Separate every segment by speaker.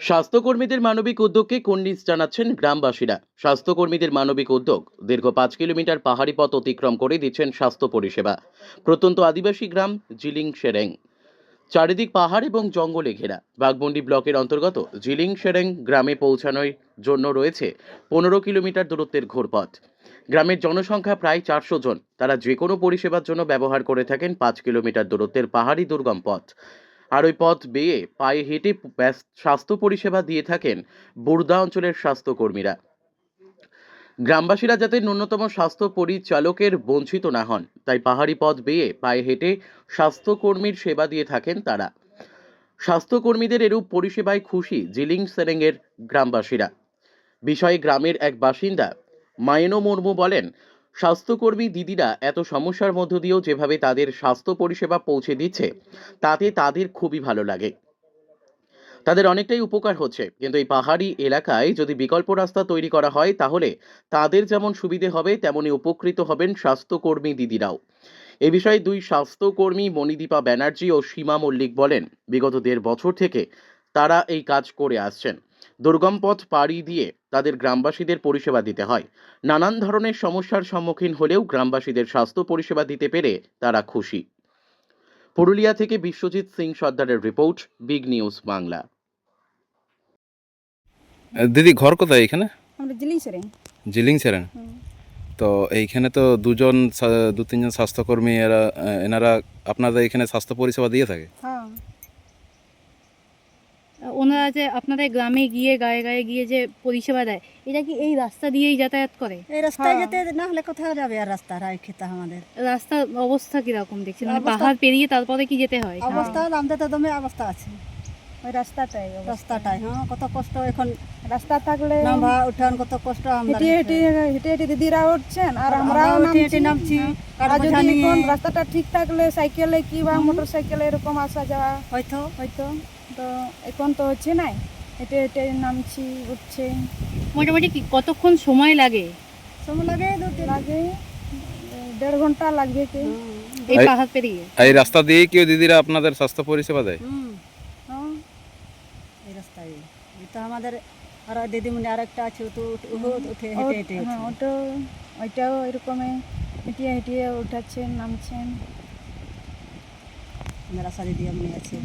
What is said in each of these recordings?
Speaker 1: স্বাস্থ্যকর্মীদের মানবিক উদ্যোগকে কুর্নিশ জানাচ্ছেন গ্রামবাসীরা। স্বাস্থ্যকর্মীদের মানবিক উদ্যোগ দীর্ঘ ৫ কিলোমিটার পাহাড়ি পথ অতিক্রম করে দিচ্ছেন স্বাস্থ্য পরিষেবা। প্রত্যন্ত আদিবাসী গ্রাম জিলিং সেরেং, চারিদিক পাহাড় এবং জঙ্গলে ঘেরা। বাঘমুন্ডি ব্লকের অন্তর্গত জিলিং সেরেং গ্রামে পৌঁছানোর জন্য রয়েছে ১৫ কিলোমিটার দূরত্বের ঘুরপথ। গ্রামের জনসংখ্যা প্রায় ৪০০ জন। তারা যে কোনো পরিষেবার জন্য ব্যবহার করে থাকেন ৫ কিলোমিটার দূরত্বের পাহাড়ি দুর্গম পথ। আর ওই পথ বেয়ে পায়ে হেঁটে স্বাস্থ্য পরিষেবা দিয়ে থাকেন বুর্দা অঞ্চলের স্বাস্থ্যকর্মীরা। গ্রামবাসীরা যাতে ন্যূনতম স্বাস্থ্য পরিচালকের বঞ্চিত না হন, তাই পাহাড়ি পথ বেয়ে পায়ে হেঁটে স্বাস্থ্যকর্মীর সেবা দিয়ে থাকেন তারা। স্বাস্থ্যকর্মীদের এরূপ পরিষেবায় খুশি জিলিং সেরেংয়ের গ্রামবাসীরা। বিষয়ে গ্রামের এক বাসিন্দা মায়েনো মুর্মু বলেন, স্বাস্থ্যকর্মী দিদিরা এত সমস্যার মধ্য দিয়েও যেভাবে তাদের স্বাস্থ্য পরিষেবা পৌঁছে দিচ্ছে, তাতে তাদের খুবই ভালো লাগে। তাদের অনেকটাই উপকার হচ্ছে, কিন্তু এই পাহাড়ি এলাকায় যদি বিকল্প রাস্তা তৈরি করা হয়, তাহলে তাদের যেমন সুবিধে হবে, তেমনি উপকৃত হবেন স্বাস্থ্যকর্মী দিদিরাও। এ বিষয়ে দুই স্বাস্থ্যকর্মী মণিদীপা ব্যানার্জি ও সীমা মল্লিক বলেন, বিগত ১.৫ বছর থেকে তারা এই কাজ করে আসছেন। দুর্গম পথ পাড়ি দিয়ে তাদের গ্রামবাসীদের পরিষেবা দিতে হয়। নানান ধরনের সমস্যার সম্মুখীন হলেও গ্রামবাসীদের স্বাস্থ্য পরিষেবা দিতে পেরে তারা খুশি। পুরুলিয়া থেকে বিশ্বজিৎ সিং সর্দারের রিপোর্ট, বিগ নিউজ বাংলা।
Speaker 2: দিদি ঘর কোথায় এখানে?
Speaker 3: আমরা জিলিং সেরেং।
Speaker 2: জিলিং সেরেন। তো এইখানে তো দু তিনজন স্বাস্থ্যকর্মী এনারা আপনাদের এখানে স্বাস্থ্য পরিষেবা দিয়ে থাকে।
Speaker 3: হ্যাঁ,
Speaker 4: ওনারা যে আপনাদের গ্রামে গিয়ে গায়ে গায়ে গিয়ে যে পরিষেবা দেয়, এটা কি এই রাস্তা দিয়েই যাতায়াত করে?
Speaker 3: এই রাস্তায় হ্যাঁ। যেতে না হলে কোথাও যাবে আর রাস্তা রায় খেতে আমাদের
Speaker 4: রাস্তার অবস্থা কিরকম দেখছেন? মানে
Speaker 3: অবস্থা-
Speaker 4: পাহাড় পেরিয়ে তারপরে কি যেতে হয়?
Speaker 3: অবস্থা হলো আমাদের তো দমে অবস্থা আছে।
Speaker 5: ওই রাস্তাটাই
Speaker 3: রাস্তাটাই কত কষ্ট এখন
Speaker 5: রাস্তা থাকলে
Speaker 3: নামা উঠান কত কষ্ট আমরা
Speaker 5: হেঁটে হেঁটে হেঁটে হেঁটে দিদিরা উঠছেন আর আমরাও
Speaker 3: হেঁটে হেঁটে নামছি
Speaker 5: আর
Speaker 3: কাঠ বোঝা
Speaker 5: যদি
Speaker 3: নিয়ে
Speaker 5: কোন রাস্তাটা ঠিক থাকলে সাইকেলে কি বা মোটর সাইকেলে এরকম আসা যাওয়া
Speaker 3: হয়তো
Speaker 5: হয়তো। তো এখন তো হচ্ছে না, হেঁটে হেঁটে নামছি উঠছে।
Speaker 4: মোটামুটি কতক্ষণ সময় লাগে
Speaker 3: সময় লাগে
Speaker 5: লাগে 1.5 ঘন্টা লাগবে কি।
Speaker 4: এই
Speaker 2: এই-
Speaker 4: পাহাড় পেরিয়ে?
Speaker 2: এই রাস্তা দিয়েই কেউ দিদিরা আপনাদের স্বাস্থ্য পরিষেবা দেয়?
Speaker 5: হ্যাঁ,
Speaker 3: এই রাস্তায় এই তো আমাদের আর দিদিমণি আর একটা আছে তো উঠে হেঁটে হেঁটে
Speaker 5: হ্যাঁ, ওইটাও এরকমই হেঁটিয়ে হেঁটিয়ে উঠাচ্ছেন নামছেন।
Speaker 3: মেরা সারি দিয়ে আমি আছে।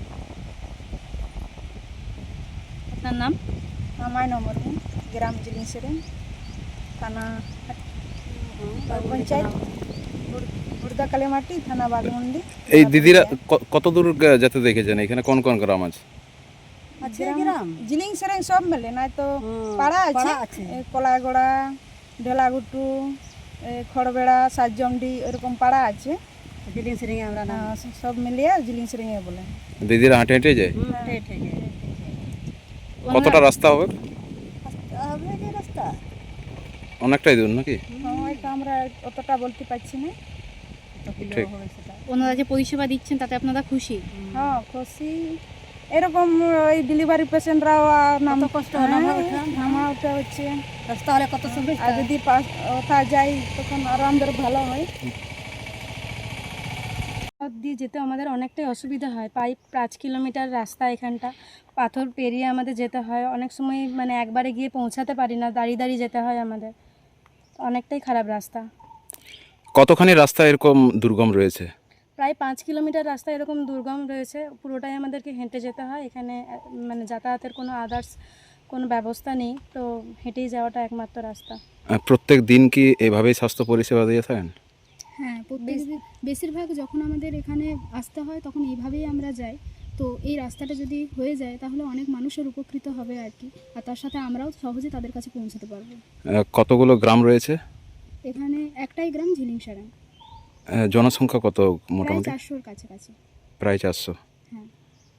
Speaker 4: আপনার নাম?
Speaker 5: আমার নম্বর গ্রাম জিলিং সেরেং, থানা পঞ্চায়েত বুর্দা কালীমাটি, থানা বাঘমুন্ডি।
Speaker 2: এই দিদিরা কত দূর যেতে দেখেছেন? এখানে কোন কোন গ্রাম আছে?
Speaker 3: আছে গ্রাম
Speaker 5: জিলিং সেরেং সব মেলে নাই তো পাড়া আছে, কলাগড়া, ঢেলাঘুটু, খড়বেড়া, সাতজমডি, এরকম পাড়া আছে।
Speaker 3: জিলিং সিরিং আমরা নাম
Speaker 5: সব মিলিয়ে জিলিং সেরেং বলে।
Speaker 2: দিদিরা হেঁটে হেঁটে যায়?
Speaker 3: হেঁটে হেঁটে
Speaker 2: কতটা রাস্তা হবে?
Speaker 3: হবে যে রাস্তা
Speaker 2: অনেকটাই দূর নাকি?
Speaker 5: হয়তো আমরা অতটা বলতে পারছি না।
Speaker 3: কত কিলো
Speaker 2: ঠিক।
Speaker 3: হবে সেটা
Speaker 4: ওনারা যে পরিষেবা দিচ্ছেন তাতে আপনারা খুশি?
Speaker 5: হ্যাঁ, খুশি। এরকম ওই ডেলিভারি পেশেন্টরাও নাম
Speaker 3: কত কষ্ট
Speaker 5: নামা ওঠা হচ্ছে।
Speaker 3: রাস্তা হলে কত সুবিধা
Speaker 5: আর যদি ওঠা যায় তখন আরো আমাদের ভালো হয়।
Speaker 4: পথ দিয়ে যেতে আমাদের অনেকটাই অসুবিধা হয়। প্রায় 5 কিলোমিটার রাস্তা, এখানটা পাথর পেরিয়ে আমাদের যেতে হয়। অনেক সময় মানে একবারে গিয়ে পৌঁছাতে পারি না, দাঁড়িয়ে দাঁড়িয়ে যেতে হয় আমাদের। অনেকটাই খারাপ রাস্তা।
Speaker 2: কতখানি রাস্তা এরকম দুর্গম রয়েছে?
Speaker 4: প্রায় 5 কিলোমিটার রাস্তা এরকম দুর্গম রয়েছে, পুরোটাই আমাদেরকে হেঁটে যেতে হয়। এখানে মানে যাতায়াতের কোনো আদার্স কোনো ব্যবস্থা নেই, তো হেঁটেই যাওয়াটা একমাত্র রাস্তা।
Speaker 2: প্রত্যেক দিন কি এভাবেই স্বাস্থ্য পরিষেবা দিয়ে থাকেন?
Speaker 6: হ্যাঁ, বেশিরভাগ যখন আমাদের এখানে আসতে হয় তখন এইভাবেই আমরা যাই। তো এই রাস্তাটা যদি হয়ে যায় তাহলে অনেক মানুষের উপকৃত হবে আর কি, আর তার সাথে আমরাও সহজে তাদের কাছে পৌঁছাতে পারবো।
Speaker 2: কতগুলো গ্রাম রয়েছে?
Speaker 6: এখানে একটাই গ্রাম ঝিলিং সেরেং,
Speaker 2: জনসংখ্যা কত
Speaker 6: প্রায়
Speaker 2: মোটামুটি?
Speaker 6: 400-র কাছাকাছি।
Speaker 2: প্রায় 400।
Speaker 6: হ্যাঁ,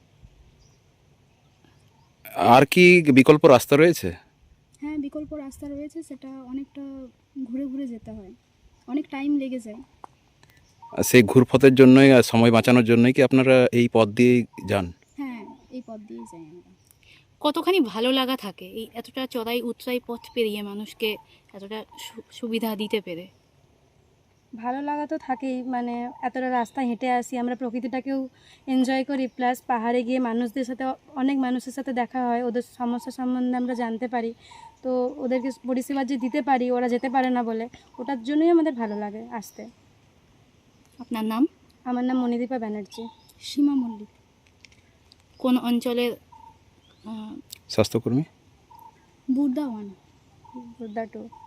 Speaker 2: আর কি বিকল্প রাস্তা রয়েছে?
Speaker 6: হ্যাঁ, বিকল্প রাস্তা রয়েছে, সেটা অনেকটা ঘুরে ঘুরে যেতে হয়, অনেক টাইম লেগে যায়।
Speaker 2: সেই ঘুরপথের জন্যই আর সময় বাঁচানোর জন্যই কি আপনারা এই পথ দিয়েই যান?
Speaker 6: হ্যাঁ, এই পথ দিয়েই যাই আমরা।
Speaker 4: কতখানি ভালো লাগা থাকে এই এতটা চড়াই উতরাই পথ পেরিয়ে মানুষকে এতটা সুবিধা দিতে পেরে? ভালো লাগা তো থাকেই, মানে এতটা রাস্তা হেঁটে আসি, আমরা প্রকৃতিটাকেও এনজয় করি, প্লাস পাহাড়ে গিয়ে মানুষদের সাথে অনেক মানুষের সাথে দেখা হয়, ওদের সমস্যা সম্বন্ধে আমরা জানতে পারি, তো ওদেরকে পরিষেবা যে দিতে পারি, ওরা যেতে পারে না বলে, ওটার জন্যই আমাদের ভালো লাগে আসতে।
Speaker 7: আপনার নাম?
Speaker 4: আমার নাম মণিদীপা ব্যানার্জি।
Speaker 6: সীমা মল্লিক।
Speaker 7: কোন অঞ্চলের
Speaker 2: স্বাস্থ্যকর্মী?
Speaker 6: বুর্দা ওয়ান।
Speaker 4: বুদ্ধা টু।